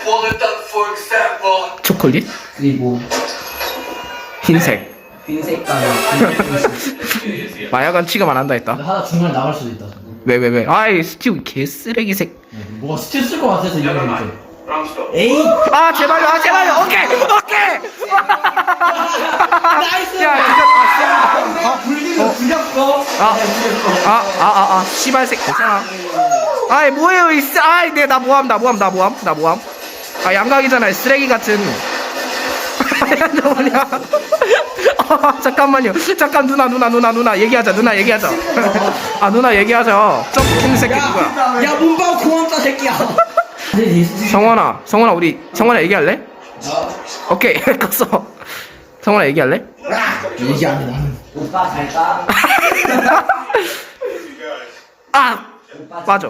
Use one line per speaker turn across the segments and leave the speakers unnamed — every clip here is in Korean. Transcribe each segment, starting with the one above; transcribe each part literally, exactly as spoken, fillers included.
초콜릿?
그리고
흰색.
흰색깔
마약은 취급 안 한다 했다.
하나 중간에 나갈 수도 있다.
왜 왜 왜? 아이 스티브 개쓰레기색.
뭐가 스틸 쓸것 같아서 이런 거 이제. 에이.
아 제발요, 아 제발요. 오케이, 오케이.
나이스.
야 진짜 아,
아 불리면 불렸어.
아, 아, 아, 아, 아, 씨발색 괜찮아. 아이 뭐예요 이 쓰, 아이 내나 모함, 나 모함, 나 모함, 나 모함. 아 양각이잖아, 쓰레기 같은. 야, 너 뭐냐? 아, 잠깐만요. 잠깐 누나, 누나, 누나, 누나 얘기하자, 누나 얘기하자. 아 누나 얘기하자. 점프 새끼 누구야?
야 문방 고맙다 새끼야.
성원아, 성원아 우리 성원아 얘기할래? 오케이, 껐어. 성원아 얘기할래?
얘기 안 해 나는. 오빠 잘까?
아, 맞아.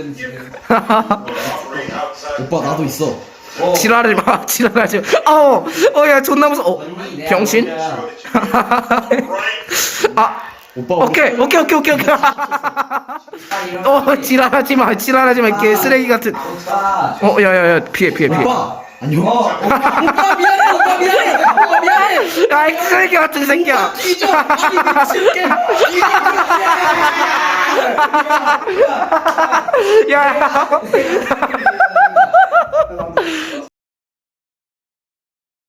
오빠 나도 있어.
지랄하지 마, 지랄하지 마. 어, 어, 야, 존나 무서워. 어, 병신? 아,
오빠
오케이, 오케이, 오케이, 오케이, 오케이. 어, 지랄하지 마, 지랄하지 마, 개 쓰레기 같은. 어, 야, 야, 야, 피해, 피해, 피해.
오빠 안녕. 오빠 미안해. 오빠 미안해. 오빠 미안해.
야, 이 쓰레기 같은 새끼야.
뒤져. 아니 미친게.
야,